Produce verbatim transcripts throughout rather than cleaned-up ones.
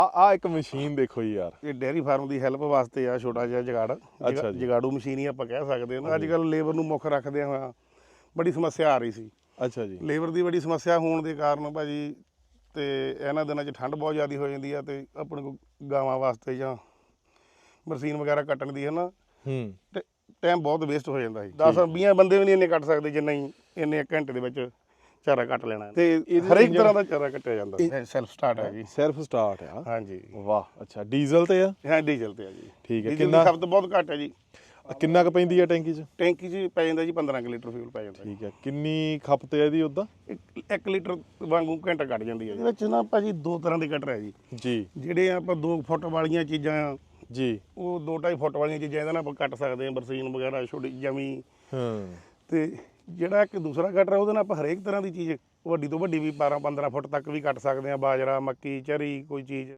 ਆ ਇੱਕ ਮਸ਼ੀਨ ਦੇਖੋ ਜੀ ਯਾਰ, ਇਹ ਡੇਅਰੀ ਫਾਰਮ ਦੀ ਹੈਲਪ ਵਾਸਤੇ ਆ, ਛੋਟਾ ਜਿਹਾ ਜਗਾੜ। ਅੱਛਾ ਜੀ। ਜਗਾੜੂ ਮਸ਼ੀਨ ਹੀ ਆਪਾਂ ਕਹਿ ਸਕਦੇ ਹਾਂ। ਅੱਜ ਕੱਲ੍ਹ ਲੇਬਰ ਨੂੰ ਮੁੱਖ ਰੱਖਦੇ ਹੋਇਆ ਬੜੀ ਸਮੱਸਿਆ ਆ ਰਹੀ ਸੀ। ਅੱਛਾ ਜੀ। ਲੇਬਰ ਦੀ ਬੜੀ ਸਮੱਸਿਆ ਹੋਣ ਦੇ ਕਾਰਨ ਭਾਜੀ ਤੇ ਇਹਨਾਂ ਦਿਨਾਂ 'ਚ ਠੰਡ ਬਹੁਤ ਜ਼ਿਆਦਾ ਹੋ ਜਾਂਦੀ ਆ ਤੇ ਆਪਣੇ ਕੋਲ ਗਾਵਾਂ ਵਾਸਤੇ ਜਾਂ ਬਰਸੀਨ ਵਗੈਰਾ ਕੱਟਣ ਦੀ ਹੈ ਨਾ, ਹੂੰ, ਤੇ ਟਾਈਮ ਬਹੁਤ ਵੇਸਟ ਹੋ ਜਾਂਦਾ ਸੀ। ਦਸ ਵੀਹ ਬੰਦੇ ਵੀ ਨਹੀਂ ਇੰਨੇ ਕੱਟ ਸਕਦੇ ਜਿੰਨਾ ਹੀ ਇੰਨੇ ਇੱਕ ਘੰਟੇ ਦੇ ਵਿੱਚ ਚਾਰਾ ਕੱਟ ਲੈਣਾ ਤੇ ਹਰੇਕ ਤਰ੍ਹਾਂ ਦਾ ਚਾਰਾ ਕੱਟਿਆ ਜਾਂਦਾ। ਸੈਲਫ ਸਟਾਰਟ ਹੈ ਜੀ। ਸੈਲਫ ਸਟਾਰਟ ਆ? ਹਾਂਜੀ। ਵਾਹ, ਅੱਛਾ। ਡੀਜ਼ਲ ਤੇ ਆ? ਹਾਂ, ਡੀਜ਼ਲ ਤੇ ਆ ਜੀ। ਠੀਕ ਹੈ। ਕਿੰਨਾ ਖਪਤ ਬਹੁਤ ਘੱਟ ਹੈ ਜੀ। ਕਿੰਨਾ ਕੁ ਪੈਂਦੀ ਆ ਟੈਂਕੀ 'ਚ? ਟੈਂਕੀ 'ਚ ਪੈ ਜਾਂਦਾ ਜੀ ਪੰਦਰਾਂ ਕੁ ਲੀਟਰ ਫਿਊਲ ਪੈ ਜਾਂਦਾ। ਠੀਕ ਹੈ। ਕਿੰਨੀ ਖਪਤ ਹੈ ਇਹਦੀ ਉੱਦਾਂ? ਇੱਕ ਲੀਟਰ ਵਾਂਗੂ ਘੰਟਾ ਕੱਢ ਜਾਂਦੀ ਹੈ। ਇਹਦੇ ਵਿੱਚ ਨਾ ਭਾਜੀ ਦੋ ਤਰ੍ਹਾਂ ਦੇ ਕਟਰ ਹੈ ਜੀ। ਜੀ। ਜਿਹੜੇ ਆਪਾਂ ਦੋ ਫੁੱਟ ਵਾਲੀਆਂ ਚੀਜ਼ਾਂ ਆ ਜੀ, ਉਹ ਦੋ ਢਾਈ ਫੁੱਟ ਵਾਲੀਆਂ ਚੀਜ਼ਾਂ ਇਹਦੇ ਨਾਲ ਆਪਾਂ ਕੱਟ ਸਕਦੇ ਹਾਂ, ਬਰਸੀਨ ਵਗੈਰਾ ਛੋਟੀ ਜਮੀ। ਹਾਂ। ਤੇ ਜਿਹੜਾ ਇੱਕ ਦੂਸਰਾ ਕਟਰ ਉਹਦੇ ਨਾਲ ਆਪਾਂ ਹਰੇਕ ਤਰ੍ਹਾਂ ਦੀ ਚੀਜ਼ ਵੱਡੀ ਤੋਂ ਵੱਡੀ ਵੀ ਬਾਰਾਂ ਪੰਦਰਾਂ ਫੁੱਟ ਤੱਕ ਵੀ ਕੱਟ ਸਕਦੇ ਹਾਂ। ਬਾਜਰਾ, ਮੱਕੀ, ਚਰੀ, ਕੋਈ ਚੀਜ਼।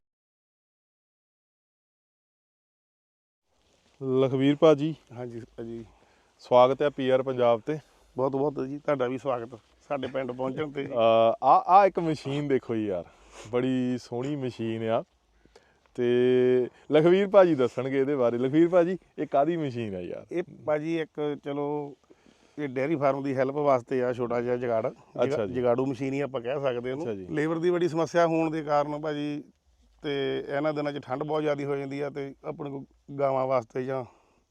ਲਖਵੀਰ ਭਾਜੀ। ਹਾਂਜੀ ਭਾਜੀ, ਸਵਾਗਤ ਹੈ ਪੀ ਆਰ ਪੰਜਾਬ ਤੇ। ਬਹੁਤ ਬਹੁਤ ਜੀ, ਤੁਹਾਡਾ ਵੀ ਸਵਾਗਤ ਸਾਡੇ ਪਿੰਡ ਪਹੁੰਚਣ ਤੇ। ਆ ਆ ਇੱਕ ਮਸ਼ੀਨ ਦੇਖੋ ਜੀ ਯਾਰ, ਬੜੀ ਸੋਹਣੀ ਮਸ਼ੀਨ ਆ ਤੇ ਲਖਵੀਰ ਭਾਜੀ ਦੱਸਣਗੇ ਇਹਦੇ ਬਾਰੇ। ਲਖਵੀਰ ਭਾਜੀ, ਇਹ ਕਾਹਦੀ ਮਸ਼ੀਨ ਆ ਯਾਰ? ਇਹ ਭਾਜੀ ਇੱਕ ਚਲੋ ਇਹ ਡੇਅਰੀ ਫਾਰਮ ਦੀ ਹੈਲਪ ਵਾਸਤੇ ਆ, ਛੋਟਾ ਜਿਹਾ ਜਗਾੜ। ਅੱਛਾ ਜੀ। ਜਗਾੜੂ ਮਸ਼ੀਨ ਹੀ ਆਪਾਂ ਕਹਿ ਸਕਦੇ ਹਾਂ ਉਹਨੂੰ। ਲੇਬਰ ਦੀ ਬੜੀ ਸਮੱਸਿਆ ਹੋਣ ਦੇ ਕਾਰਨ ਭਾਜੀ ਤੇ ਇਹਨਾਂ ਦਿਨਾਂ 'ਚ ਠੰਡ ਬਹੁਤ ਜ਼ਿਆਦਾ ਹੋ ਜਾਂਦੀ ਆ ਤੇ ਆਪਣੇ ਕੋਲ ਗਾਵਾਂ ਵਾਸਤੇ ਜਾਂ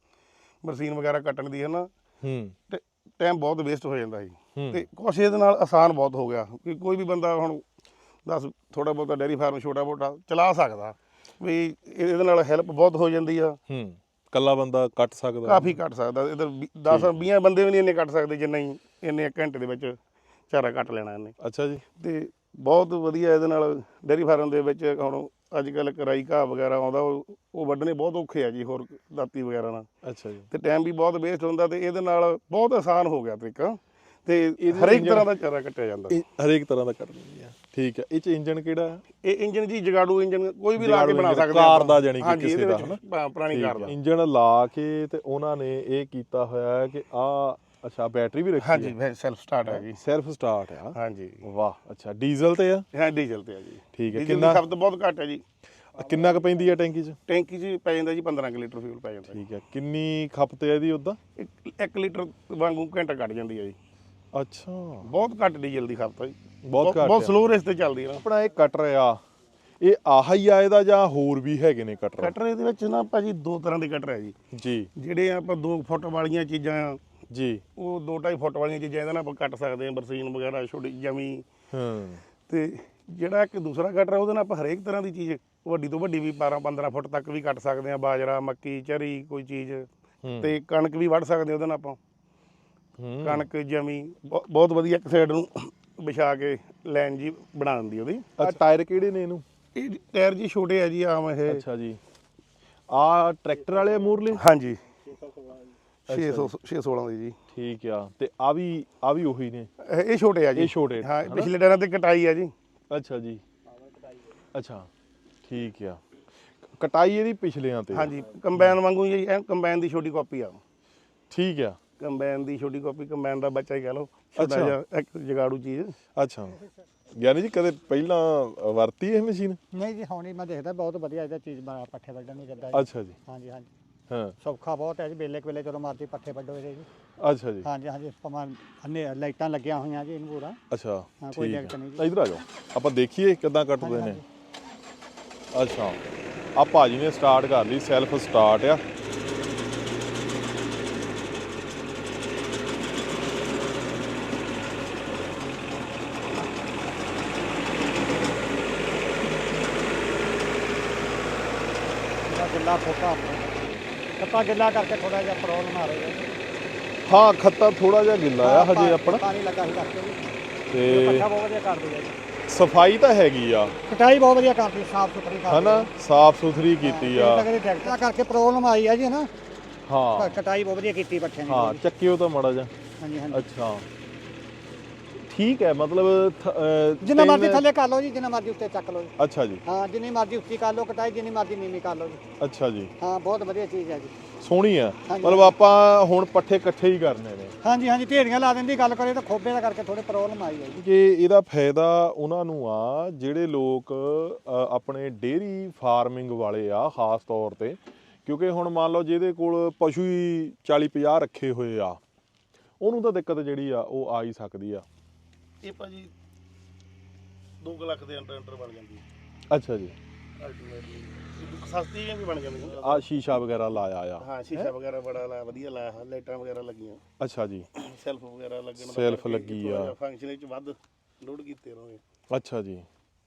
ਬਰਸੀਨ ਵਗੈਰਾ ਕੱਟਣ ਦੀ ਹੈ ਨਾ, ਹੂੰ, ਤੇ ਟਾਈਮ ਬਹੁਤ ਵੇਸਟ ਹੋ ਜਾਂਦਾ ਸੀ। ਤੇ ਕੁਛ ਇਹਦੇ ਨਾਲ ਆਸਾਨ ਬਹੁਤ ਹੋ ਗਿਆ ਕਿ ਕੋਈ ਵੀ ਬੰਦਾ ਹੁਣ ਦੱਸ ਥੋੜਾ ਬਹੁਤਾ ਡੇਅਰੀ ਫਾਰਮ ਛੋਟਾ ਮੋਟਾ ਚਲਾ ਸਕਦਾ ਵੀ। ਇਹਦੇ ਨਾਲ ਹੈਲਪ ਬਹੁਤ ਹੋ ਜਾਂਦੀ ਆ। ਹੂੰ, ਕੱਲਾ ਬੰਦਾ ਕੱਟ ਸਕਦਾ, ਕਾਫੀ ਕੱਟ ਸਕਦਾ। ਇੱਧਰ ਦਸ ਵੀਹ ਬੰਦੇ ਵੀ ਨਹੀਂ ਇੰਨੇ ਕੱਟ ਸਕਦੇ ਜਿੰਨਾ ਹੀ ਇੰਨੇ ਇੱਕ ਘੰਟੇ ਦੇ ਵਿੱਚ ਚਾਰਾ ਕੱਟ ਲੈਣਾ ਇਹਨੇ। ਅੱਛਾ ਜੀ। ਤੇ ਬਹੁਤ ਵਧੀਆ ਇਹਦੇ ਨਾਲ ਡੇਅਰੀ ਫਾਰਮ ਦੇ ਵਿੱਚ ਹੁਣ ਅੱਜ ਕੱਲ੍ਹ ਕਰਾਈ ਘਾਹ ਵਗੈਰਾ ਆਉਂਦਾ, ਉਹ ਉਹ ਵੱਢਣੇ ਬਹੁਤ ਔਖੇ ਆ ਜੀ ਹੋਰ ਦਾਤੀ ਵਗੈਰਾ ਨਾਲ। ਅੱਛਾ ਜੀ। ਤੇ ਟਾਈਮ ਵੀ ਬਹੁਤ ਵੇਸਟ ਹੁੰਦਾ ਤੇ ਇਹਦੇ ਨਾਲ ਬਹੁਤ ਆਸਾਨ ਹੋ ਗਿਆ ਤਰੀਕਾ ਤੇ ਹਰੇਕ ਤਰ੍ਹਾਂ ਦਾ ਚਾਰਾ ਕੱਟਿਆ ਜਾਂਦਾ। ਹਰੇਕ ਤਰ੍ਹਾਂ ਦਾ ਕੱਟ ਦਿੰਦੀ ਆ। ਠੀਕ ਹੈ। ਇਹ 'ਚ ਇੰਜਨ ਕਿਹੜਾ ਆ? ਇਹ ਇੰਜਨ ਜੀ ਜਗਾੜੂ ਇੰਜਨ ਕੋਈ ਵੀ ਲਾ ਕੇ ਬਣਾ ਸਕਦੇ ਕਾਰ ਦਾ, ਜਾਨੀ ਕਿ ਕਿਸੇ ਦਾ ਹਨਾ, ਪੁਰਾਣੀ ਕਾਰ ਦਾ ਇੰਜਨ ਲਾ ਕੇ ਤੇ ਉਹਨਾਂ ਨੇ ਇਹ ਕੀਤਾ ਹੋਇਆ ਹੈ ਕਿ ਆ ਅੱਛਾ ਬੈਟਰੀ ਵੀ ਰੱਖੀ ਹੈ? ਹਾਂਜੀ, ਸੈਲਫ ਸਟਾਰਟ ਹੈ ਜੀ। ਸੈਲਫ ਸਟਾਰਟ ਆ? ਹਾਂਜੀ। ਵਾਹ, ਅੱਛਾ। ਡੀਜ਼ਲ ਤੇ ਆ? ਹਾਂ, ਡੀਜ਼ਲ ਤੇ ਆ ਜੀ। ਠੀਕ ਹੈ। ਕਿੰਨਾ ਖਪਤ ਬਹੁਤ ਘੱਟ ਹੈ ਜੀ। ਕਿੰਨਾ ਕੁ ਪੈਂਦੀ ਆ ਟੈਂਕੀ 'ਚ? ਟੈਂਕੀ 'ਚ ਪੈ ਜਾਂਦਾ ਜੀ ਪੰਦਰਾਂ ਕੁ ਲੀਟਰ ਫਿਊਲ ਪੈ ਜਾਂਦਾ। ਠੀਕ ਹੈ। ਕਿੰਨੀ ਖਪਤ ਹੈ ਇਹਦੀ ਉੱਦਾਂ? ਇੱਕ ਲੀਟਰ ਵਾਂਗੂ ਘੰਟਾ ਕੱਢ ਜਾਂਦੀ ਹੈ ਜੀ। ਅੱਛਾ, ਬਹੁਤ ਘੱਟ ਡੀਜ਼ਲ ਦੀ ਖਪਤ ਹੈ ਜੀ। ਬਹੁਤ ਘੱਟ, ਬਹੁਤ ਸਲੋ ਰੇਸ ਤੇ ਚੱਲਦੀ ਹੈ। ਆਪਣਾ ਇਹ ਕਟਰ ਆ, ਇਹ ਆਹ ਹੀ ਆ ਇਹਦਾ ਜਾਂ ਹੋਰ ਵੀ ਹੈਗੇ ਨੇ ਕਟਰ? ਕਟਰ ਇਹਦੇ ਵਿੱਚ ਨਾ ਭਾਜੀ ਦੋ ਤਰ੍ਹਾਂ ਦੇ ਕਟਰ ਹੈ ਜੀ। ਜੀ। ਜਿਹੜੇ ਆਪਾਂ ਦੋ ਫੁੱਟ ਵਾਲੀਆਂ ਚੀਜ਼ਾਂ ਆ ਜੀ, ਉਹ ਦੋ ਢਾਈ ਫੁੱਟ ਵਾਲੀਆਂ ਚੀਜ਼ਾਂ ਇਹਦੇ ਨਾਲ ਆਪਾਂ ਕੱਟ ਸਕਦੇ ਹਾਂ, ਬਰਸੀਨ ਵਗੈਰਾ ਛੋਟੀ ਜਮੀ। ਹਾਂ। ਤੇ ਜਿਹੜਾ ਇੱਕ ਦੂਸਰਾ ਕਟਰ ਉਹਦੇ ਨਾਲ ਆਪਾਂ ਹਰੇਕ ਤਰ੍ਹਾਂ ਦੀ ਚੀਜ਼ ਵੱਡੀ ਤੋਂ ਵੱਡੀ ਵੀ ਬਾਰਾਂ ਪੰਦਰਾਂ ਫੁੱਟ ਤੱਕ ਵੀ ਕੱਟ ਸਕਦੇ ਹਾਂ। ਬਾਜਰਾ, ਮੱਕੀ, ਚਰੀ, ਕੋਈ ਚੀਜ਼ ਤੇ ਕਣਕ ਵੀ ਵੱਢ ਸਕਦੇ ਉਹਦੇ ਨਾਲ ਆਪਾਂ। ਕਣਕ, ਜਮੀ ਬਹੁਤ ਵਧੀਆ ਇੱਕ ਸਾਈਡ ਨੂੰ ਵਿਛਾ ਕੇ ਲਾਈਨ ਜੀ ਬਣਾ ਦਿੰਦੀ ਉਹਦੀ। ਟਾਇਰ ਕਿਹੜੇ ਨੇ ਇਹਨੂੰ? ਇਹ ਟਾਇਰ ਜੀ ਛੋਟੇ ਆ ਜੀ, ਆਮ ਇਹ। ਅੱਛਾ ਜੀ। ਆ ਟਰੈਕਟਰ ਵਾਲੇ ਮੂਰਲੇ? ਹਾਂਜੀ, ਛੇ ਸੌ ਛੇ ਸੋਲਾਂ ਦੀ ਜੀ। ਠੀਕ ਆ। ਤੇ ਆ ਵੀ ਆ ਵੀ ਉਹੀ ਨੇ? ਇਹ ਛੋਟੇ ਆ ਜੀ। ਇਹ ਛੋਟੇ? ਹਾਂ, ਪਿਛਲੇ ਟਾਇਰਾਂ ਤੇ ਕਟਾਈ ਆ ਜੀ। ਅੱਛਾ ਜੀ। ਅੱਛਾ, ਠੀਕ ਆ। ਕਟਾਈ ਇਹਦੀ ਪਿਛਲਿਆਂ ਤੇ? ਹਾਂਜੀ, ਕੰਬਾਈਨ ਵਾਂਗੂ ਜੀ। ਇਹ ਕੰਬਾਈਨ ਦੀ ਛੋਟੀ ਕਾਪੀ ਆ। ਠੀਕ ਆ। ਕੰਬਾਈਨ ਦੀ ਛੋਟੀ ਕਾਪੀ, ਕੰਬਾਈਨ ਦਾ ਬੱਚਾ ਹੀ ਕਹਿ ਲਓ, ਛੋਟਾ ਜਿਹਾ ਇੱਕ ਜਗਾੜੂ ਚੀਜ਼। ਅੱਛਾ। ਯਾਨੀ ਜੀ ਕਦੇ ਪਹਿਲਾਂ ਵਰਤੀ ਇਹ ਮਸ਼ੀਨ? ਨਹੀਂ ਜੀ, ਹੁਣ ਹੀ ਮੈਂ ਦੇਖਦਾ ਬਹੁਤ ਵਧੀਆ ਇਹਦਾ ਚੀਜ਼ ਬਣਾ ਪੱਠੇ ਵੱਢਣ ਨੂੰ ਜਿੱਦਾਂ। ਅੱਛਾ ਜੀ। ਹਾਂਜੀ ਹਾਂਜੀ। ਹਾਂ, ਸੌਖਾ ਬਹੁਤ ਹੈ ਜੀ। ਵੇਲੇ ਵੇਲੇ ਜਦੋਂ ਮਰਜ਼ੀ ਪੱਠੇ ਵੱਢੋ ਇਹਦੇ ਜੀ। ਅੱਛਾ ਜੀ। ਹਾਂਜੀ ਹਾਂਜੀ। ਭਾਵੇਂ ਅੰਨੇ ਲਾਈਟਾਂ ਲੱਗੀਆਂ ਹੋਈਆਂ ਜੀ ਇਹਨੂੰ ਪੂਰਾ। ਅੱਛਾ, ਕੋਈ ਦਿੱਕਤ ਨਹੀਂ ਜੀ। ਇੱਧਰ ਆ ਜਾਓ, ਆਪਾਂ ਦੇਖੀਏ ਕਿੱਦਾਂ ਕੱਟਦੇ ਨੇ। ਅੱਛਾ, ਆ ਭਾਜੀ ਨੇ ਸਟਾਰਟ ਕਰ ਲਈ, ਸੈਲਫ ਸਟਾਰਟ ਆ। ਗਿੱਲਾ ਫੋਟਾ ਖੱਤਾ ਗਿੱਲਾ ਕਰਕੇ ਥੋੜਾ ਜਿਹਾ ਪ੍ਰੋਬਲਮ ਆ ਰਹੀ ਹੈ। ਹਾਂ, ਖੱਤਾ ਥੋੜਾ ਜਿਹਾ ਗਿੱਲਾ ਆ ਹਜੇ ਆਪਣਾ। ਪਾਣੀ ਲੱਗਾ ਸੀ ਕਰਕੇ ਤੇ ਪੱਠਾ ਬਹੁਤ ਵਧੀਆ ਕਰਦੇ ਆ ਜੀ। ਸਫਾਈ ਤਾਂ ਹੈਗੀ ਆ, ਕਟਾਈ ਬਹੁਤ ਵਧੀਆ ਕਰਦੀ, ਸਾਫ ਸੁਥਰੀ ਕਰਦੀ ਹਨਾ, ਸਾਫ ਸੁਥਰੀ ਕੀਤੀ ਆ। ਟਰੈਕਟਰ ਕਰਕੇ ਪ੍ਰੋਬਲਮ ਆਈ ਆ ਜੀ ਨਾ। ਹਾਂ, ਕਟਾਈ ਬਹੁਤ ਵਧੀਆ ਕੀਤੀ ਪੱਠਿਆਂ ਦੀ। ਹਾਂ, ਚੱਕਿਓ ਤਾਂ ਮਾੜਾ ਜਿਹਾ। ਹਾਂਜੀ ਹਾਂਜੀ। ਅੱਛਾ, ਠੀਕ ਹੈ ਮਤਲਬ ਥ- ਅਹ, ਜਿੰਨਾ ਮਰਜ਼ੀ ਤਿੰਨ- ਥੱਲੇ ਕਰ ਲਓ ਜੀ, ਜਿੰਨਾ ਮਰਜ਼ੀ ਉੱਤੇ ਚੱਕ ਲਓ ਜੀ। ਅੱਛਾ ਜੀ, ਹਾਂ ਜਿੰਨੀ ਮਰਜ਼ੀ ਉੱਚੀ ਕਰ ਲਓ ਕਟਾਈ, ਜਿੰਨੀ ਮਰਜ਼ੀ ਨੀਵੀਂ ਕਰ ਲਓ ਜੀ। ਅੱਛਾ ਜੀ, ਹਾਂ ਬਹੁਤ ਵਧੀਆ ਚੀਜ਼ ਹੈ ਜੀ। ਸੋਹਣੀ ਆ। ਹਾਂਜੀ, ਮਤਲਬ ਆਪਾਂ ਹੁਣ ਪੱਠੇ ਇਕੱਠੇ ਹੀ ਕਰਨੇ ਨੇ। ਹਾਂਜੀ ਹਾਂਜੀ ਢੇਰੀਆਂ ਲਾ ਦਿੰਦੀ, ਗੱਲ ਕਰੇ ਤਾਂ ਖੋਬੇ ਦਾ ਕਰਕੇ ਥੋੜੇ ਪ੍ਰੋਬਲਮ ਆਈ ਹੈ ਜੀ। ਕਿ ਇਹਦਾ ਫਾਇਦਾ ਉਹਨਾਂ ਨੂੰ ਆ ਜਿਹੜੇ ਲੋਕ ਅ, ਆਪਣੇ ਡੇਅਰੀ ਫਾਰਮਿੰਗ ਵਾਲੇ ਆ ਖਾਸ ਤੌਰ ਤੇ, ਕਿਉਂਕਿ ਹੁਣ ਮੰਨ ਲਓ ਜਿਹਦੇ ਕੋਲ ਪਸ਼ੂ ਹੀ ਚਾਲੀ ਪੰਜਾਹ ਰੱਖੇ ਹੋਏ ਆ, ਉਹਨੂੰ ਤਾਂ ਦਿੱਕਤ ਜਿਹੜੀ ਆ ਉਹ ਆ ਹੀ ਸਕਦੀ ਆ। ਇਹ ਭਾਜੀ ਦੋ ਕੁ ਲੱਖ ਦੇ ਅੰਡਰ ਅੰਡਰ ਬਣ ਜਾਂਦੀ ਹੈ ਅੱਛਾ ਜੀ, ਅਲਟੀਮੇਟਲੀ ਸਸਤੀ ਵੀ ਬਣ ਜਾਂਦੀ ਆ ਸ਼ੀਸ਼ਾ ਵਗੈਰਾ ਲਾਇਆ ਆ। ਹਾਂ ਸ਼ੀਸ਼ਾ ਵਗੈਰਾ ਬੜਾ ਲਾਇਆ, ਵਧੀਆ ਲਾਇਆ, ਲਾਈਟਾਂ ਵਗੈਰਾ ਲੱਗੀਆਂ, ਅੱਛਾ ਜੀ, ਸੈਲਫ ਵਗੈਰਾ ਲੱਗਣ ਦਾ ਸੈਲਫ ਕਰਕੇ ਲੱਗੀ ਥੋੜ੍ਹਾ ਆ। ਜਿਹਾ ਫੰਕਸ਼ਨ ਵਿੱਚ ਵੱਧ ਲੋਡ ਕੀਤੇ ਰਹੋਗੇ। ਅੱਛਾ ਜੀ,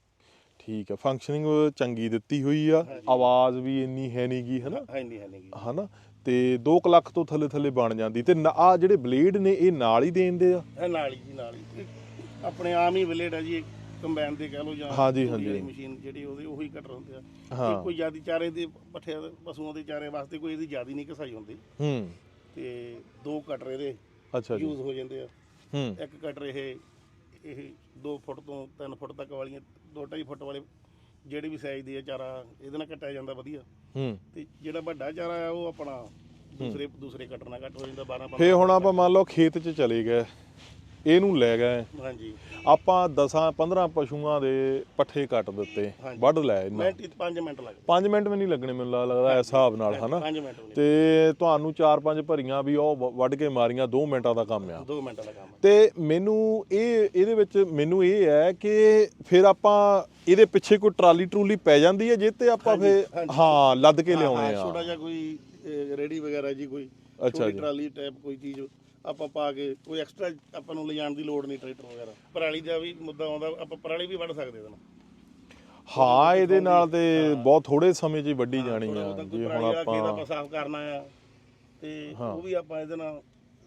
ਠੀਕ ਹੈ। ਫੰਕਸ਼ਨਿੰਗ ਚੰਗੀ ਦਿੱਤੀ ਹੋਈ ਆ, ਆਵਾਜ਼ ਵੀ ਇੰਨੀ ਹੈ ਨਹੀਂ ਗੀ, ਹਨਾ ਹੈ ਨਹੀਂ ਹੈ ਨਹੀਂ ਹਨਾ ਤੇ ਦੋ ਕੁ ਲੱਖ ਤੋਂ ਥੱਲੇ ਥੱਲੇ ਬਣ ਜਾਂਦੀ। ਤੇ ਆ ਜਿਹੜੇ ਬਲੇਡ ਨੇ ਇਹ ਨਾਲ ਹੀ ਦੇਂਦੇ ਆ। ਇਹ ਨਾਲ ਹੀ ਜੀ ਨਾਲ ਹੀ ਇਹ ਆਪਣੇ ਆਮ ਹੀ ਬਲੇਡ ਆ ਜੀ, ਕੰਬਾਈਨ ਦੇ ਕਹਿ ਲਓ ਜਾਂ ਹਾਂਜੀ, ਤੂੜੀ ਵਾਲੀ ਹਾਂਜੀ। ਮਸ਼ੀਨ ਜਿਹੜੀ ਉਹਦੇ ਉਹੀ ਕਟਰ ਹੁੰਦੇ ਆ। ਹਾਂ। ਇਹ ਕੋਈ ਜ਼ਿਆਦੀ ਚਾਰੇ ਦੇ ਪੱਠਿਆਂ ਦੇ ਪਸ਼ੂਆਂ ਦੇ ਚਾਰੇ ਵਾਸਤੇ ਕੋਈ ਇਹਦੀ ਜ਼ਿਆਦੀ ਨਹੀਂ ਘਸਾਈ ਹੁੰਦੀ, ਹੂੰ, ਤੇ ਦੋ ਕਟਰ ਇਹਦੇ ਅੱਛਾ ਜੀ, ਯੂਜ਼ ਹੋ ਜਾਂਦੇ ਆ। ਹੂੰ, ਇੱਕ ਕਟਰ ਇਹ ਇਹ ਦੋ ਫੁੱਟ ਤੋਂ ਤਿੰਨ ਫੁੱਟ ਤੱਕ ਵਾਲੀਆਂ, ਦੋ ਢਾਈ ਫੁੱਟ ਵਾਲੇ ਜਿਹੜੇ ਵੀ ਸਾਈਜ਼ ਦੇ ਆ ਚਾਰਾ ਇਹਦੇ ਨਾਲ ਕੱਟਿਆ ਜਾਂਦਾ ਵਧੀਆ। ਹੂੰ। ਤੇ ਜਿਹੜਾ ਵੱਡਾ ਚਾਰਾ ਆ ਉਹ ਆਪਣਾ ਦੂਸਰੇ ਦੂਸਰੇ ਕਟਰ ਨਾਲ ਕੱਟ ਹੋ ਜਾਂਦਾ ਬਾਰਾਂ ਫੇ ਹੁਣ ਆਪਾਂ ਮੰਨ ਲਓ ਖੇਤ 'ਚ ਚਲੇ ਗਏ, ਇਹਨੂੰ ਲੈ ਗਏ ਹਾਂਜੀ ਆਪਾਂ ਦਸਾਂ ਪੰਦਰਾਂ ਪਸ਼ੂਆਂ ਦੇ ਪੱਠੇ ਕੱਟ ਦਿੱਤੇ, ਹਾਂਜੀ। ਵੱਢ ਲੈ ਇਹਨਾਂ ਮਿੰਟ ਪੰਜ ਮਿੰਟ ਲੱਗਦੇ, ਪੰਜ ਮਿੰਟ ਵੀ ਨਹੀਂ ਲੱਗਣੇ ਮੈਨੂੰ ਲੱਗਦਾ ਇਸ ਹਿਸਾਬ ਨਾਲ, ਹਨਾ ਪੰਜ ਮਿੰਟ ਵੀ ਤੇ ਤੁਹਾਨੂੰ ਚਾਰ ਪੰਜ ਭਰੀਆਂ ਵੀ ਉਹ ਵ- ਵੱਢ ਕੇ ਮਾਰੀਆਂ, ਦੋ ਮਿੰਟਾਂ ਦਾ ਕੰਮ ਆ। ਨਹੀਂ, ਦੋ ਮਿੰਟ ਦਾ ਕੰਮ ਆ। ਤੇ ਮੈਨੂੰ ਇਹ ਇਹਦੇ ਵਿੱਚ ਮੈਨੂੰ ਇਹ ਹੈ ਕਿ ਫਿਰ ਆਪਾਂ ਇਹਦੇ ਪਿੱਛੇ ਕੋਈ ਟਰਾਲੀ ਟਰੂਲੀ ਪੈ ਜਾਂਦੀ ਹੈ, ਜਿਹ ਤੇ ਆਪਾਂ ਹਾਂਜੀ, ਫਿਰ ਹਾਂਜੀ। ਹਾਂ ਲੱਦ ਕੇ ਹਾਂ, ਲਿਆਉਣੇ ਹਾਂ, ਛੋਟਾ ਆ। ਜਿਹਾ ਕੋਈ ਰੇੜੀ ਵਗੈਰਾ ਜੀ, ਕੋਈ ਅੱਛਾ ਛੋਟੀ ਜੀ। ਟਰਾਲੀ ਟਾਈਪ ਕੋਈ ਚੀਜ਼ ਆਪਾਂ ਪਾ ਕੇ, ਕੋਈ ਐਕਸਟਰਾ ਆਪਾਂ ਨੂੰ ਲਿਜਾਣ ਦੀ ਲੋੜ ਨਹੀਂ ਟਰੈਕਟਰ ਵਗੈਰਾ। ਪਰਾਲੀ ਦਾ ਵੀ ਮੁੱਦਾ ਆਉਂਦਾ, ਆਪਾਂ ਪਰਾਲੀ ਵੀ ਵੱਢ ਸਕਦੇ ਇਹਦੇ ਨਾਲ। ਹਾਂ ਇਹਦੇ ਨਾਲ ਤੇ ਬਹੁਤ ਥੋੜੇ ਸਮੇਂ 'ਚ ਹੀ ਵੱਢੀ ਜਾਣੀ ਥੋੜ੍ਹਾ ਆ। ਬਹੁਤਾ ਕੋਈ ਜੇ ਪਰਾਲੀ ਹੁਣ ਵਾਲਾ ਖੇਤ ਆਪਾਂ ਆਪਾਂ ਸਾਫ਼ ਕਰਨਾ ਆ ਤੇ ਉਹ ਵੀ ਆਪਾਂ ਇਹਦੇ ਨਾਲ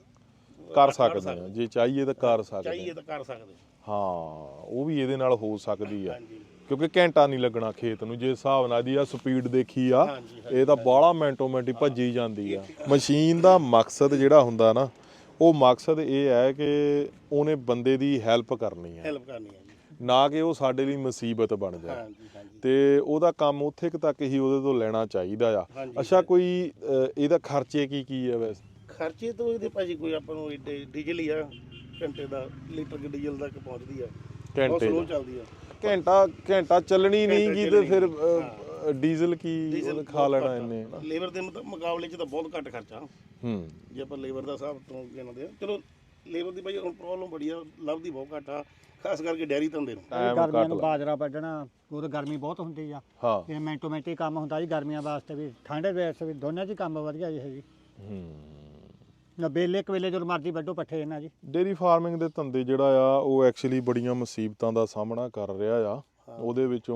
ਕਰ ਵੱਢ ਸਕਦੇ ਆ, ਜੇ ਚਾਹੀਏ ਤਾਂ ਕਰ ਸਕਦੇ ਚਾਹੀਏ ਆ। ਤਾਂ ਕਰ ਸਕਦੇ। ਹਾਂ ਉਹ ਵੀ ਇਹਦੇ ਨਾਲ ਹੋ ਸਕਦੀ ਆ, ਹਾਂਜੀ ਕਿਉਂਕਿ ਘੰਟਾ ਨਹੀਂ ਲੱਗਣਾ ਖੇਤ ਨੂੰ। ਜੇ ਹਿਸਾਬ ਨਾਲ ਦੀ ਆ ਸਪੀਡ ਦੇਖੀ ਆ, ਹਾਂਜੀ, ਇਹ ਤਾਂ ਬਾਹਲਾ ਮਿੰਟੋ ਮਿੰਟ ਹੀ ਭੱਜੀ ਜਾਂਦੀ ਆ। ਮਸ਼ੀਨ ਦਾ ਮਕਸਦ ਜਿਹੜਾ ਹੁੰਦਾ ਨਾ, ਉਹ ਮਕਸਦ ਇਹ ਹੈ ਕਿ ਉਹਨੇ ਬੰਦੇ ਦੀ ਹੈਲਪ ਕਰਨੀ ਹੈ, ਹੈਲਪ ਕਰਨੀ ਹੈ ਜੀ। ਨਾ ਕਿ ਉਹ ਸਾਡੇ ਲਈ ਮੁਸੀਬਤ ਬਣ ਜਾਏ। ਹਾਂਜੀ ਹਾਂਜੀ ਤੇ ਉਹਦਾ ਕੰਮ ਉੱਥੇ ਕੁ ਤੱਕ ਹੀ ਉਹਦੇ ਤੋਂ ਲੈਣਾ ਚਾਹੀਦਾ ਆ। ਹਾਂਜੀ। ਅੱਛਾ ਕੋਈ ਅ, ਇਹਦਾ ਖਰਚੇ ਕੀ ਕੀ ਆ ਵੈਸੇ? ਖਰਚੇ ਤੋਂ ਇਹਦੇ ਭਾਜੀ ਕੋਈ ਆਪਾਂ ਨੂੰ ਏਡੇ ਡੀਜ਼ਲ ਹੀ ਆ, ਘੰਟੇ ਦਾ ਲੀਟਰ ਕੁ ਡੀਜ਼ਲ ਤੱਕ ਪਹੁੰਚਦੀ ਆ, ਬਹੁਤ ਘੰਟੇ ਸਲੋ ਦਾ? ਚੱਲਦੀ ਆ। ਘੰਟਾ ਘੰਟਾ ਚੱਲਣੀ ਨਹੀਂ ਘੰਟਾ ਗੀ ਤੇ ਚੱਲਣੀ ਫਿਰ ਨਹੀਂ। ਅ, ਡੀਜ਼ਲ ਕੀ ਡੀਜ਼ਲ ਖਾ ਲੈਣਾ ਇਹਨੇ ਨਾ। ਲੇਬਰ ਦੇ ਮੁਤਾ- ਮੁਕਾਬਲੇ 'ਚ ਤਾਂ ਬਹੁਤ ਘੱਟ ਖਰਚਾ ਹੂੰ, ਜੇ ਆਪਾਂ ਲੇਬਰ ਦਾ ਹਿਸਾਬ ਤੋਂ ਗਿਣਦੇ ਆ। ਚਲੋ ਲੇਬਰ ਦੀ ਭਾਈ ਹੁਣ ਪ੍ਰੋਬਲਮ ਬੜੀ ਆ, ਲੱਭਦੀ ਬਹੁਤ ਘੱਟ ਆ, ਖਾਸ ਕਰਕੇ ਡੈਰੀ ਧੰਦੇ ਨੂੰ। ਟਾਈਮ ਗਰਮੀਆਂ ਘੱਟ ਨੂੰ ਲਾ। ਬਾਜਰਾ ਵੱਢਣਾ, ਉਦੋਂ ਗਰਮੀ ਬਹੁਤ ਹੁੰਦੀ ਆ, ਹਾਂ। ਤੇ ਮਿੰਟੋ ਮਿੰਟ ਹੀ ਕੰਮ ਹੁੰਦਾ ਜੀ ਗਰਮੀਆਂ ਵਾਸਤੇ ਵੀ, ਠੰਡ ਦੇ ਵਿੱਚ ਵੀ, ਦੋਨਾਂ 'ਚ ਹੀ ਕੰਮ ਵਧੀਆ ਜੀ ਹੈ ਜੀ। ਹੂੰ, ਨਾ ਵੇਲੇ ਇੱਕ ਵੇਲੇ ਜਦੋਂ ਮਰਜ਼ੀ ਵੱਢੋ ਪੱਠੇ ਇਹਨਾਂ ਜੀ। ਡੇਰੀ ਫਾਰਮਿੰਗ ਦੇ ਧੰਦੇ ਜਿਹੜਾ ਆ ਉਹ ਐਕਚੁਅਲੀ ਬੜੀਆਂ ਮੁਸੀਬਤਾਂ ਦਾ ਸਾਹਮਣਾ ਕਰ ਰਿਹਾ ਆ। ਉਹਦੇ ਵਿੱਚੋਂ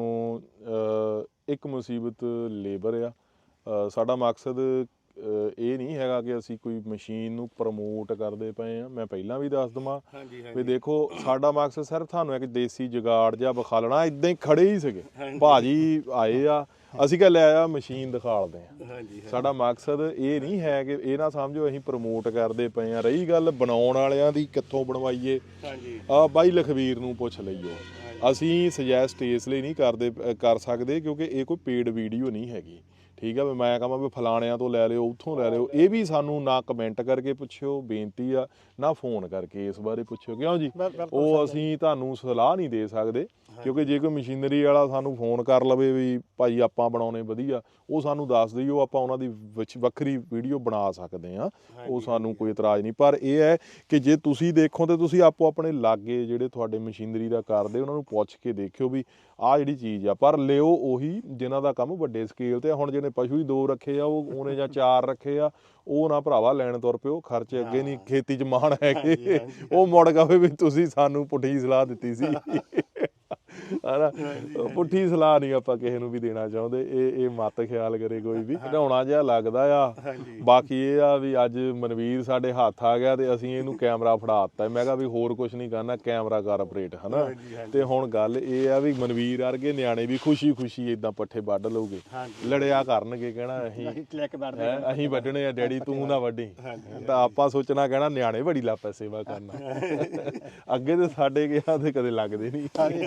ਅ, ਇੱਕ ਮੁਸੀਬਤ ਲੇਬਰ ਆ। ਅ, ਸਾਡਾ ਮਕਸਦ ਅ, ਇਹ ਨਹੀਂ ਹੈਗਾ ਕਿ ਅਸੀਂ ਕੋਈ ਮਸ਼ੀਨ ਨੂੰ ਪ੍ਰਮੋਟ ਕਰਦੇ ਪਏ ਆ। ਮੈਂ ਪਹਿਲਾਂ ਵੀ ਦੱਸ ਦਵਾਂ ਹਾਂਜੀ ਵੀ ਹਾਂਜੀ ਦੇਖੋ ਸਾਡਾ ਮਕਸਦ ਸਿਰਫ ਤੁਹਾਨੂੰ ਇੱਕ ਦੇਸੀ ਜੁਗਾੜ ਜਿਹਾ ਵਿਖਾਲਣਾ। ਇਦਾਂ ਹੀ ਖੜੇ ਹੀ ਸੀਗੇ, ਹਾਂਜੀ। ਭਾਜੀ ਆਏ ਆ, ਅਸੀਂ ਕਿਹਾ ਲੈ ਆ ਮਸ਼ੀਨ ਦਿਖਾਲਦੇ ਆ। ਹਾਂਜੀ ਸਾਡਾ ਮਕਸਦ ਇਹ ਨਹੀਂ ਹੈ ਕਿ ਇਹ ਨਾ ਸਮਝੋ ਅਸੀਂ ਪ੍ਰਮੋਟ ਕਰਦੇ ਪਏ ਆ। ਰਹੀ ਗੱਲ ਬਣਾਉਣ ਵਾਲਿਆਂ ਦੀ, ਕਿੱਥੋਂ ਬਣਵਾਈਏ, ਹਾਂਜੀ ਆ ਬਾਈ ਲਖਵੀਰ ਨੂੰ ਪੁੱਛ ਲਈਓ। ਅਸੀਂ ਸੁਜੈਸਟ ਇਸ ਲਈ ਨਹੀਂ ਕਰਦੇ ਅ, ਕਰ ਸਕਦੇ ਕਿਉਂਕਿ ਇਹ ਕੋਈ ਪੇਡ ਵੀਡੀਓ ਨਹੀਂ ਹੈਗੀ, ਠੀਕ ਆ। ਵੀ ਮੈਂ ਕਹਾਂ ਵੀ ਫਲਾਣਿਆਂ ਤੋਂ ਲੈ ਲਿਓ, ਉੱਥੋਂ ਲੈ ਲਿਓ, ਇਹ ਵੀ ਸਾਨੂੰ ਨਾ ਕਮੈਂਟ ਕਰਕੇ ਪੁੱਛਿਓ, ਬੇਨਤੀ ਆ, ਨਾ ਫੋਨ ਕਰਕੇ ਇਸ ਬਾਰੇ ਪੁੱਛਿਓ, ਕਿਉਂ ਜੀ? ਉਹ ਅਸੀਂ ਤੁਹਾਨੂੰ ਸਲਾਹ ਨਹੀਂ ਦੇ ਸਕਦੇ, ਕਿਉਂਕਿ ਜੇ ਕੋਈ ਮਸ਼ੀਨਰੀ ਵਾਲਾ ਸਾਨੂੰ ਫੋਨ ਕਰ ਲਵੇ ਵੀ ਭਾਈ ਆਪਾਂ ਬਣਾਉਣੇ ਵਧੀਆ, ਉਹ ਸਾਨੂੰ ਦੱਸ ਦਿਓ, ਆਪਾਂ ਉਹਨਾਂ ਦੀ ਵਿੱਚ ਵੱਖਰੀ ਵੀਡੀਓ ਬਣਾ ਸਕਦੇ ਹਾਂ, ਉਹ ਸਾਨੂੰ ਕੋਈ ਇਤਰਾਜ਼ ਨਹੀਂ। ਪਰ ਇਹ ਹੈ ਕਿ ਜੇ ਤੁਸੀਂ ਦੇਖੋ ਤੇ ਤੁਸੀਂ ਆਪੋ ਆਪਣੇ ਲਾਗੇ ਜਿਹੜੇ ਤੁਹਾਡੇ ਮਸ਼ੀਨਰੀ ਦਾ ਕਰਦੇ ਉਹਨਾਂ ਨੂੰ ਪੁੱਛ ਕੇ ਦੇਖਿਓ ਵੀ ਆਹ ਜਿਹੜੀ ਚੀਜ਼ ਆ। ਪਰ ਲਿਓ ਉਹੀ ਜਿਨ੍ਹਾਂ ਦਾ ਕੰਮ ਵੱਡੇ ਸਕੇਲ ਤੇ। ਹੁਣ ਜਿਹਨੇ ਪਸ਼ੂ ਹੀ ਦੋ ਰੱਖੇ ਆ, ਉਹ ਉਹਨੇ ਜਾਂ ਚਾਰ ਰੱਖੇ ਆ, ਉਹ ਨਾ ਭਰਾਵਾ ਲੈਣ ਤੁਰ ਪਿਓ, ਖਰਚੇ ਅੱਗੇ ਨਹੀਂ ਖੇਤੀ 'ਚ ਮਾਣ ਹੈਗੇ। ਉਹ ਮੁੜ ਕਹੇ ਵੀ ਤੁਸੀਂ ਸਾਨੂੰ ਪੁੱਠੀ ਸਲਾਹ ਦਿੱਤੀ ਸੀ। ਹਨਾ ਪੁੱਠੀ ਸਲਾਹ ਨਹੀਂ ਆਪਾਂ ਕਿਸੇ ਨੂੰ ਵੀ ਦੇਣਾ ਚਾਹੁੰਦੇ, ਇਹ ਇਹ ਮਤ ਖਿਆਲ ਕਰੇ ਕੋਈ ਵੀ, ਘਿਨਾਉਣਾ ਜਿਹਾ ਲੱਗਦਾ ਆ। ਬਾਕੀ ਇਹ ਆ ਵੀ ਅੱਜ ਮਨਵੀਰ ਸਾਡੇ ਹੱਥ ਆ ਗਿਆ ਤੇ ਅਸੀਂ ਇਹਨੂੰ ਕੈਮਰਾ ਫੜਾ ਦਿੱਤਾ। ਮੈਂ ਕਿਹਾ ਵੀ ਹੋਰ ਕੁਝ ਨਹੀਂ ਕਰਨਾ, ਕੈਮਰਾ ਕਰ ਆਪਰੇਟ ਹਨਾ। ਤੇ ਹੁਣ ਗੱਲ ਇਹ ਆ ਵੀ ਮਨਵੀਰ ਵਰਗੇ ਨਿਆਣੇ ਵੀ ਖੁਸ਼ੀ ਖੁਸ਼ੀ ਇਦਾਂ ਪੱਠੇ ਵੱਢ ਲਊਗੇ, ਲੜਿਆ ਕਰਨਗੇ, ਕਹਿਣਾ ਅਸੀਂ ਹੈਂ, ਅਸੀਂ ਵੱਢਣੇ ਆ ਡੈਡੀ ਤੂੰ ਨਾ ਵੱਢੀ, ਤਾਂ ਆਪਾਂ ਸੋਚਣਾ ਕਹਿਣਾ ਨਿਆਣੇ ਬੜੀ ਲਾਪਾ ਸੇਵਾ ਕਰਨਾ। ਅੱਗੇ ਤੇ ਸਾਡੇ ਗਿਆ ਤੇ ਕਦੇ ਲੱਗਦੇ ਨਹੀਂ।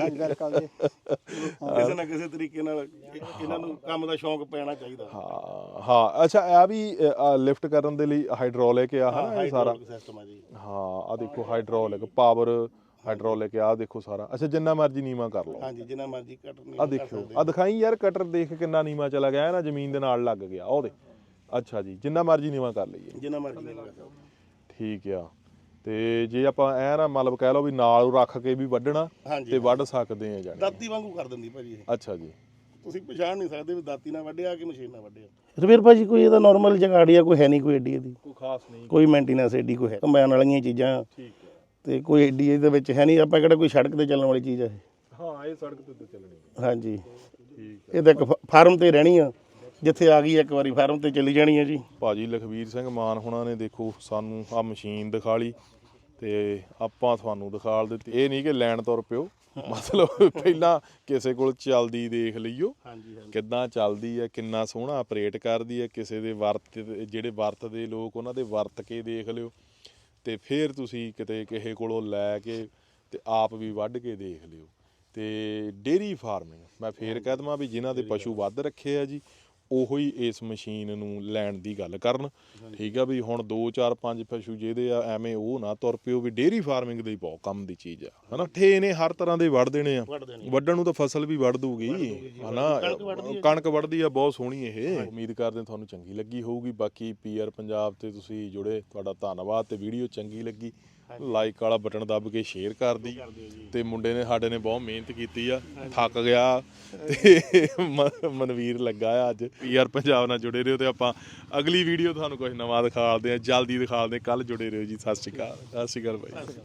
ਕਿਸੇ ਨਾ ਕਿਸੇ ਤਰੀਕੇ ਨਾਲ ਇਹਨਾਂ ਨੂੰ ਕੰਮ ਦਾ ਸ਼ੌਂਕ ਪੈਣਾ ਚਾਹੀਦਾ। ਹਾਂ ਹਾਂ ਅੱਛਾ ਇਹ ਵੀ ਲਿਫਟ ਕਰਨ ਦੇ ਲਈ ਹਾਈਡ੍ਰੋਲਿਕ ਆ ਹਨਾ ਇਹ ਸਾਰਾ ਸਿਸਟਮ ਆ ਜੀ। ਹਾਂ ਆ ਦੇਖੋ ਹਾਈਡ੍ਰੋਲਿਕ ਪਾਵਰ ਹਾਈਡ੍ਰੋਲਿਕ ਆ ਦੇਖੋ ਸਾਰਾ। ਅੱਛਾ ਜਿੰਨਾ ਮਰਜ਼ੀ ਨੀਵਾ ਕਰ ਲਓ। ਹਾਂਜੀ ਜਿੰਨਾ ਮਰਜ਼ੀ ਕਟਰ ਨਹੀਂ ਆ ਦੇਖੋ ਆ ਦਿਖਾਈ ਯਾਰ ਕਟਰ ਦੇਖ ਕਿੰਨਾ ਨੀਵਾ ਚਲਾ ਗਿਆ ਨਾ, ਜ਼ਮੀਨ ਦੇ ਨਾਲ ਲੱਗ ਗਿਆ ਉਹਦੇ। ਅੱਛਾ ਜੀ ਜਿੰਨਾ ਮਰਜ਼ੀ ਨੀਵਾ ਕਰ ਲਈਏ, ਜਿੰਨਾ ਮਰਜ਼ੀ ਨਹੀਂ ਕਰ ਸਕਦੇ। ਠੀਕ ਆ। ਤੇ ਜੇ ਆਪਾਂ ਐ ਨਾ ਮਤਲਬ ਕਹਿ ਲਓ ਵੀ ਨਾਲ ਰੱਖ ਕੇ ਵੀ ਵੱਢਣਾ ਤੇ ਵੱਢ ਸਕਦੇ ਆ ਜਾਨੀ ਦਾਤੀ ਵਾਂਗੂ ਕਰ ਦਿੰਦੀ ਭਾਜੀ ਇਹ। ਅੱਛਾ ਜੀ ਤੁਸੀਂ ਪਛਾਣ ਨਹੀਂ ਸਕਦੇ ਵੀ ਦਾਤੀ ਨਾਲ ਵੱਢਿਆ ਕਿ ਮਸ਼ੀਨ ਨਾਲ ਵੱਢਿਆ। ਰਵੀਰ ਭਾਜੀ ਕੋਈ ਇਹਦਾ ਨਾਰਮਲ ਜਗਾੜੀ ਆ, ਕੋਈ ਹੈ ਨਹੀਂ ਕੋਈ ਏਡੀ ਇਹਦੀ, ਕੋਈ ਖਾਸ ਨਹੀਂ, ਕੋਈ ਮੇਨਟੇਨੈਂਸ ਏਡੀ ਕੋਈ ਹੈ ਕੰਬਾਈਨ ਵਾਲੀਆਂ ਚੀਜ਼ਾਂ। ਠੀਕ ਹੈ। ਤੇ ਕੋਈ ਏਡੀ ਇਹਦੇ ਵਿੱਚ ਹੈ ਨਹੀਂ, ਆਪਾਂ ਕਿਹੜਾ ਕੋਈ ਸੜਕ ਤੇ ਚੱਲਣ ਵਾਲੀ ਚੀਜ਼ ਆ ਇਹ। ਹਾਂ ਇਹ ਸੜਕ ਤੇ ਚੱਲਣੀ। ਹਾਂਜੀ ਠੀਕ ਇਹ ਤਾਂ ਇੱਕ ਫਾਰਮ ਤੇ ਰਹਿਣੀ ਆ, ਜਿੱਥੇ ਆ ਗਈ ਇੱਕ ਵਾਰੀ ਫਾਰਮ ਤੇ ਚਲੀ ਜਾਣੀ ਆ ਜੀ। ਭਾਜੀ ਲਖਵੀਰ ਸਿੰਘ ਮਾਨ ਹੁਣਾਂ ਨੇ ਦੇਖੋ ਸਾਨੂੰ ਆ ਮਸ਼ੀਨ ਦਿਖਾ ਲਈ ਤੇ ਆਪਾਂ ਤੁਹਾਨੂੰ ਦਿਖਾ ਦਿੱਤੀ। ਇਹ ਨਹੀਂ ਕਿ ਲੈਣ ਤੁਰ ਪਿਓ, ਮਤਲਬ ਪਹਿਲਾਂ ਕਿਸੇ ਕੋਲ ਚੱਲਦੀ ਦੇਖ ਲਈਓ ਕਿੱਦਾਂ ਚੱਲਦੀ ਹੈ, ਕਿੰਨਾ ਸੋਹਣਾ ਆਪਰੇਟ ਕਰਦੀ ਹੈ। ਕਿਸੇ ਦੇ ਵਰਤ ਜਿਹੜੇ ਵਰਤਦੇ ਲੋਕ ਉਹਨਾਂ ਦੇ ਵਰਤ ਕੇ ਦੇਖ ਲਿਓ ਤੇ ਫਿਰ ਤੁਸੀਂ ਕਿਤੇ ਕਿਸੇ ਕੋਲੋਂ ਲੈ ਕੇ ਤੇ ਆਪ ਵੀ ਵੱਢ ਕੇ ਦੇਖ ਲਿਓ। ਤੇ ਡੇਅਰੀ ਫਾਰਮਿੰਗ ਮੈਂ ਫੇਰ ਕਹਿ ਦੇਵਾਂ ਵੀ ਜਿਨ੍ਹਾਂ ਦੇ ਪਸ਼ੂ ਵੱਧ ਰੱਖੇ ਆ ਜੀ ਉਹੋ ਹੀ ਇਸ ਮਸ਼ੀਨ ਨੂੰ ਲੈਣ ਦੀ ਗੱਲ ਕਰਨ। ਠੀਕ ਆ ਵੀ ਹੁਣ ਦੋ ਚਾਰ ਪੰਜ ਪਸ਼ੂ ਜਿਹਦੇ ਆ ਐਵੇਂ ਉਹ ਨਾ ਤੁਰ ਪਿਓ ਵੀ ਡੇਅਰੀ ਫਾਰਮਿੰਗ ਦੇ ਬਹੁਤ ਕੰਮ ਦੀ ਚੀਜ਼ ਆ ਹਨਾ। ਠੇ ਨੇ ਹਰ ਤਰ੍ਹਾਂ ਦੇ ਵੱਢ ਦੇਣੇ ਆ, ਵੱਢਣ ਨੂੰ ਤਾਂ ਫਸਲ ਵੀ ਵੱਢ ਦੂਗੀ ਹਨਾ। ਕਣਕ ਵੱਢਦੀ ਆ ਬਹੁਤ ਸੋਹਣੀ ਇਹ। ਉਮੀਦ ਕਰਦੇ ਤੁਹਾਨੂੰ ਚੰਗੀ ਲੱਗੀ ਹੋਊਗੀ। ਬਾਕੀ ਪੀਆਰ ਪੰਜਾਬ ਤੇ ਤੁਸੀਂ ਜੁੜੇ, ਤੁਹਾਡਾ ਧੰਨਵਾਦ। ਤੇ ਵੀਡੀਓ ਚੰਗੀ ਲੱਗੀ ਲਾਈਕ ਵਾਲਾ ਬਟਨ ਦੱਬ ਕੇ ਸ਼ੇਅਰ ਕਰ ਦੀ। ਤੇ ਮੁੰਡੇ ਨੇ ਸਾਡੇ ਨੇ ਬਹੁਤ ਮਿਹਨਤ ਕੀਤੀ ਆ, ਥੱਕ ਗਿਆ ਤੇ ਮਨਵੀਰ ਲੱਗਾ ਆ ਅੱਜ। ਪੀਆਰ ਪੰਜਾਬ ਨਾਲ ਜੁੜੇ ਰਹੋ ਤੇ ਆਪਾਂ ਅਗਲੀ ਵੀਡੀਓ ਤੁਹਾਨੂੰ ਕੁਝ ਨਵਾਂ ਦਿਖਾਉਂਦੇ ਆ, ਜਲਦੀ ਦਿਖਾਉਂਦੇ। ਕੱਲ ਜੁੜੇ ਰਹੋ ਜੀ। ਸਤਿ ਸ਼੍ਰੀ ਅਕਾਲ। ਸਤਿ ਸ਼੍ਰੀ ਅਕਾਲ ਬਾਈ।